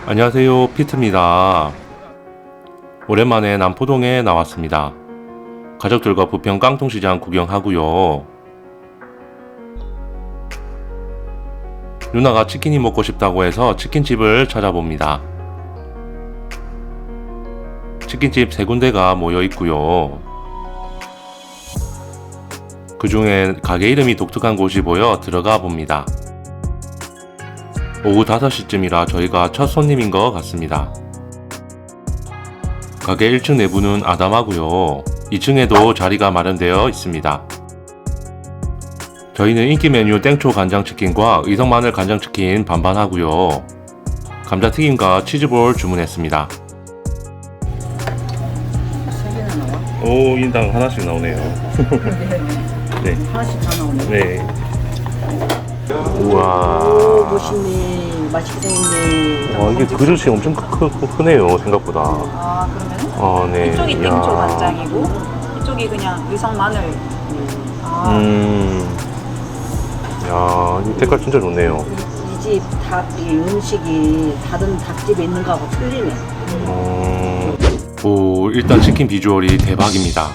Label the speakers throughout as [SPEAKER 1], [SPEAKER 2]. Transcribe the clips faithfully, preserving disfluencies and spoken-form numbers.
[SPEAKER 1] 안녕하세요, 피트입니다. 오랜만에 남포동에 나왔습니다. 가족들과 부평 깡통시장 구경하고요. 누나가 치킨이 먹고 싶다고 해서 치킨집을 찾아봅니다. 치킨집 세 군데가 모여 있고요. 그 중에 가게 이름이 독특한 곳이 보여 들어가 봅니다. 오후 다섯 시쯤이라 저희가 첫 손님인 것 같습니다. 가게 일 층 내부는 아담하고요. 이 층에도 자리가 마련되어 있습니다. 저희는 인기 메뉴 땡초 간장치킨과 의성 마늘 간장치킨 반반하고요. 감자튀김과 치즈볼 주문했습니다.
[SPEAKER 2] 세 개나 나와?
[SPEAKER 1] 오, 인당 하나씩 나오네요. 네.
[SPEAKER 2] 하나씩 다 나오네.
[SPEAKER 1] 네.
[SPEAKER 2] 오,
[SPEAKER 1] 우와.
[SPEAKER 2] 멋있네. 맛있게 생겼네.
[SPEAKER 1] 와, 이게 그릇이 엄청 크, 크, 크네요, 생각보다.
[SPEAKER 3] 아 그러면은
[SPEAKER 1] 아, 네.
[SPEAKER 3] 이쪽이
[SPEAKER 1] 이야.
[SPEAKER 3] 땡초 간장이고 이쪽이 그냥 의성 마늘. 아
[SPEAKER 1] 음. 야, 이 색깔 진짜 좋네요.
[SPEAKER 2] 이집 닭, 이 음식이 다른 닭집에 있는 거하고 틀리네.
[SPEAKER 1] 음. 오, 일단 치킨 비주얼이 대박입니다.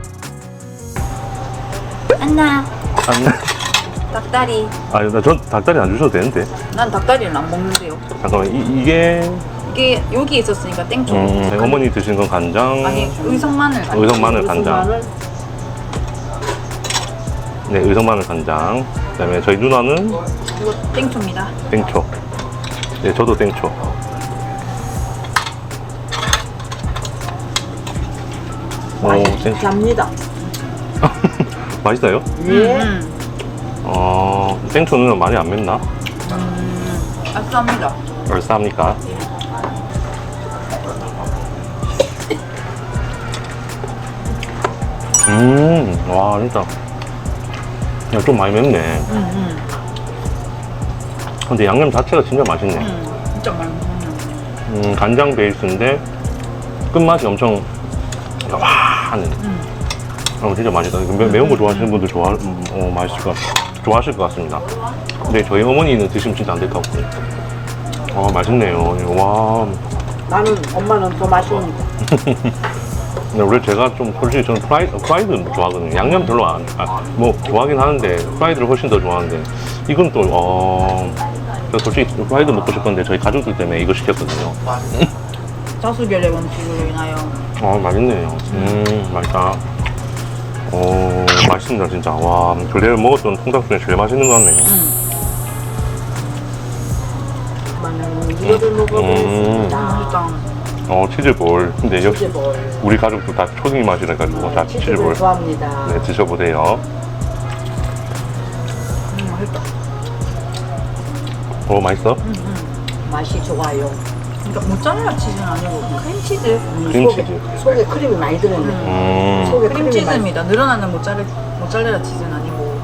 [SPEAKER 3] 안나
[SPEAKER 1] 안,
[SPEAKER 3] 닭다리.
[SPEAKER 1] 아니, 나 전 닭다리 안 주셔도 되는데.
[SPEAKER 3] 난 닭다리는 안 먹는데요.
[SPEAKER 1] 잠깐만, 이, 이게.
[SPEAKER 3] 이게 여기 있었으니까 땡초.
[SPEAKER 1] 음, 네, 어머니 드시는 건 간장.
[SPEAKER 3] 아니 의성 마늘. 간장.
[SPEAKER 1] 의성 마늘 간장.
[SPEAKER 2] 마늘,
[SPEAKER 1] 네, 의성 마늘 간장. 그 다음에 저희 누나는
[SPEAKER 3] 이거 땡초입니다.
[SPEAKER 1] 땡초. 네, 저도 땡초. 오, 땡초.
[SPEAKER 2] 맛있답니다.
[SPEAKER 1] 맛있어요?
[SPEAKER 2] 예.
[SPEAKER 3] 음,
[SPEAKER 1] 어, 땡초는 많이 안 맵나?
[SPEAKER 3] 음, 아싸합니다.
[SPEAKER 1] 얼싸합니까? 음, 와, 진짜. 야, 좀 많이 맵네.
[SPEAKER 3] 음, 음,
[SPEAKER 1] 근데 양념 자체가 진짜 맛있네.
[SPEAKER 3] 음, 진짜 많이 먹는.
[SPEAKER 1] 음, 간장 베이스인데 끝맛이 엄청 와하는.
[SPEAKER 3] 음.
[SPEAKER 1] 어, 진짜 맛있다. 매, 매운 거 좋아하시는 분들 좋아, 음, 어, 맛있을 것, 좋아하실 것 같습니다. 근데 저희 어머니는 드시면 진짜 안 될 것 같고. 아, 맛있네요. 와.
[SPEAKER 2] 나는, 엄마는 더 맛있는 거.
[SPEAKER 1] 근데 원래 제가 좀 솔직히 저는 프라이드, 프라이드 좋아하거든요. 양념 별로 안, 아, 뭐 좋아하긴 하는데 프라이드를 훨씬 더 좋아하는데 이건 또, 어, 저 솔직히 프라이드 먹고 싶었는데 저희 가족들 때문에 이거 시켰거든요.
[SPEAKER 3] 다수결의 원칙으로 인하여.
[SPEAKER 1] 아, 맛있네요. 음, 맛있다. 오, 맛있습니다, 진짜. 와, 근래 먹었던 통닭 중에 제일 맛있는 것 같네요.
[SPEAKER 3] 음,
[SPEAKER 2] 엄마는 이거를 먹어보겠습니다.
[SPEAKER 3] 맛있다.
[SPEAKER 1] 어, 치즈볼. 근데 역시
[SPEAKER 2] 치즈볼.
[SPEAKER 1] 우리 가족도 다 초딩 맛이라 가지고 다
[SPEAKER 2] 치즈볼
[SPEAKER 1] 치즈볼.
[SPEAKER 2] 좋아합니다.
[SPEAKER 1] 네, 드셔보세요.
[SPEAKER 3] 음, 맛있다.
[SPEAKER 1] 오, 맛있어?
[SPEAKER 3] 음, 음.
[SPEAKER 2] 맛이 좋아요.
[SPEAKER 3] 그러니까 모짜렐라 치즈는 아니고 크림치즈.
[SPEAKER 2] 음,
[SPEAKER 1] 크림치즈.
[SPEAKER 2] 속에, 속에 크림이 많이 들어있네.
[SPEAKER 1] 음,
[SPEAKER 2] 속에 크림이 많이
[SPEAKER 3] 크림치즈입니다. 늘어나는 모짜렐, 모짜렐라 치즈는 아니고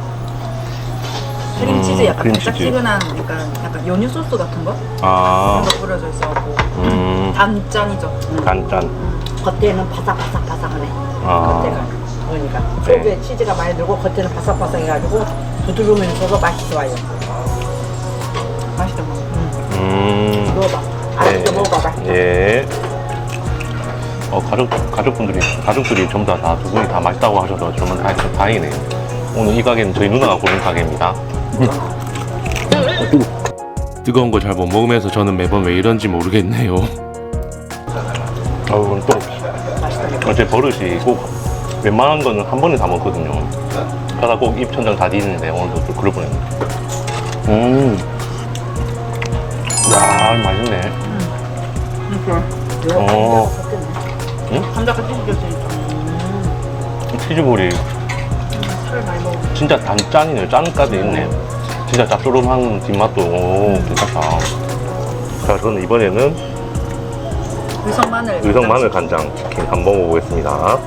[SPEAKER 3] 크림치즈 약간
[SPEAKER 1] 크림치즈.
[SPEAKER 3] 달짝지근한 약간, 약간 연유 소스 같은 거?
[SPEAKER 1] 아,
[SPEAKER 3] 그런 거 뿌려져 있어갖고
[SPEAKER 1] 음,
[SPEAKER 3] 단짠이죠.
[SPEAKER 1] 간짠.
[SPEAKER 2] 겉에는 바삭바삭바삭하네.
[SPEAKER 1] 아.
[SPEAKER 2] 겉에가. 그러니까
[SPEAKER 1] 네.
[SPEAKER 2] 속에 치즈가 많이 들고 겉에는 바삭바삭해가지고 부드러우면서도 맛이 좋아요.
[SPEAKER 3] 맛있다.
[SPEAKER 1] 음,
[SPEAKER 2] 먹어봐. 아직도 먹어봐.
[SPEAKER 1] 예. 어, 가족, 가족분들이, 가족들이 전부 다, 다, 두 분이 다 맛있다고 하셔서 정말 다, 다행이네요. 오늘 이 가게는 저희 누나가 고른 가게입니다. 뜨거운 거 잘 못 먹으면서 저는 매번 왜 이런지 모르겠네요. 아우, 또, 어제 버릇이 꼭 웬만한 거는 한 번에 다 먹거든요. 그러다 꼭 입천장 다 뒤지는데 오늘도 또 그럴 뻔했네. 음. 야, 맛있네.
[SPEAKER 3] 이렇게
[SPEAKER 1] 어.
[SPEAKER 3] 감자가 찢어졌으니까
[SPEAKER 1] 치즈볼이
[SPEAKER 3] 살을 많이 먹어.
[SPEAKER 1] 진짜 단짠이네요. 짠까지 있네. 진짜 짭조름한 뒷맛도 오, 괜찮다. 자, 저는 이번에는
[SPEAKER 3] 의성 마늘.
[SPEAKER 1] 의성 마늘 간장 치킨 한번 먹어보겠습니다.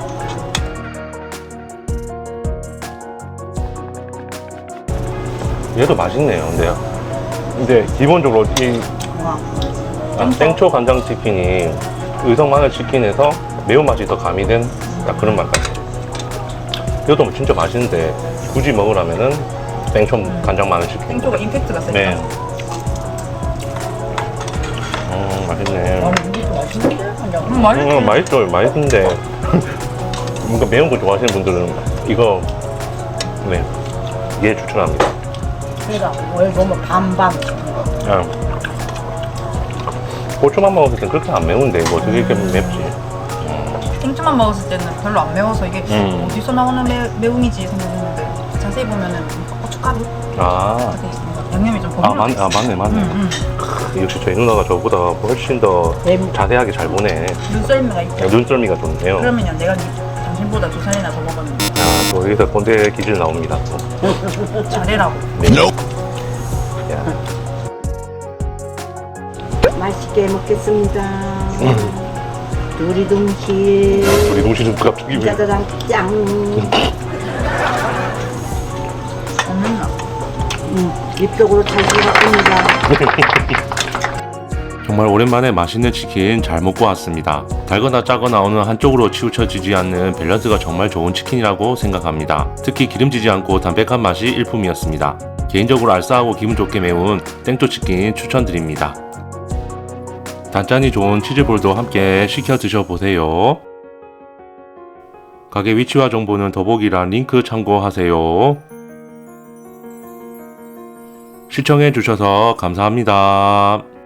[SPEAKER 1] 얘도 맛있네요. 근데, 근데 기본적으로 이
[SPEAKER 3] 와.
[SPEAKER 1] 아, 땡초 간장 치킨이 의성 마늘 치킨에서 매운맛이 더 가미된 딱 그런 맛 같아요. 이것도 진짜 맛있는데 굳이 먹으라면은 땡초 간장 마늘 치킨.
[SPEAKER 3] 땡초가 임팩트가 세다.
[SPEAKER 1] 네. 음, 맛있네.
[SPEAKER 2] 아니 이것도 맛있는데? 그냥
[SPEAKER 3] 음, 맛있지.
[SPEAKER 1] 음, 맛있죠. 맛있는데 뭔가 매운 거 좋아하시는 분들은 이거 네, 얘 추천합니다.
[SPEAKER 2] 그러니까 뭘 보면 반반.
[SPEAKER 1] 아, 고추만 먹었을 땐 그렇게 안 매운데 뭐 어떻게 이렇게 맵지?
[SPEAKER 3] 생초만 먹었을 때는 별로 안 매워서 이게
[SPEAKER 1] 음.
[SPEAKER 3] 어디서 나오는 매, 매움이지 생각했는데 자세히 보면은 고춧가루
[SPEAKER 1] 아,
[SPEAKER 3] 돼 있습니다. 양념이 좀
[SPEAKER 1] 아,
[SPEAKER 3] 버무려
[SPEAKER 1] 맞, 아 맞네 맞네.
[SPEAKER 3] 음,
[SPEAKER 1] 역시 저희 누나가 저보다 훨씬 더
[SPEAKER 2] 뱀.
[SPEAKER 1] 자세하게 잘 보네.
[SPEAKER 3] 눈썰미가 있죠.
[SPEAKER 1] 눈썰미가 좋네요.
[SPEAKER 3] 그러면요 내가 당신보다 두 살이나 더 먹었는데
[SPEAKER 1] 아, 또 여기서 꼰대 기질 나옵니다. 또.
[SPEAKER 3] 잘해라고.
[SPEAKER 1] 네. 야,
[SPEAKER 2] 맛있게 먹겠습니다. 우리 동시
[SPEAKER 1] 우리 동시는 갑자기 왜?
[SPEAKER 2] 짜자장 짱.
[SPEAKER 3] 없는다.
[SPEAKER 2] 음, 입속으로 잘 들어갑니다.
[SPEAKER 1] 정말 오랜만에 맛있는 치킨 잘 먹고 왔습니다. 달거나 짜거나 어느 한쪽으로 치우쳐지지 않는 밸런스가 정말 좋은 치킨이라고 생각합니다. 특히 기름지지 않고 담백한 맛이 일품이었습니다. 개인적으로 알싸하고 기분 좋게 매운 땡초치킨 추천드립니다. 단짠이 좋은 치즈볼도 함께 시켜 드셔보세요. 가게 위치와 정보는 더보기란 링크 참고하세요. 시청해주셔서 감사합니다.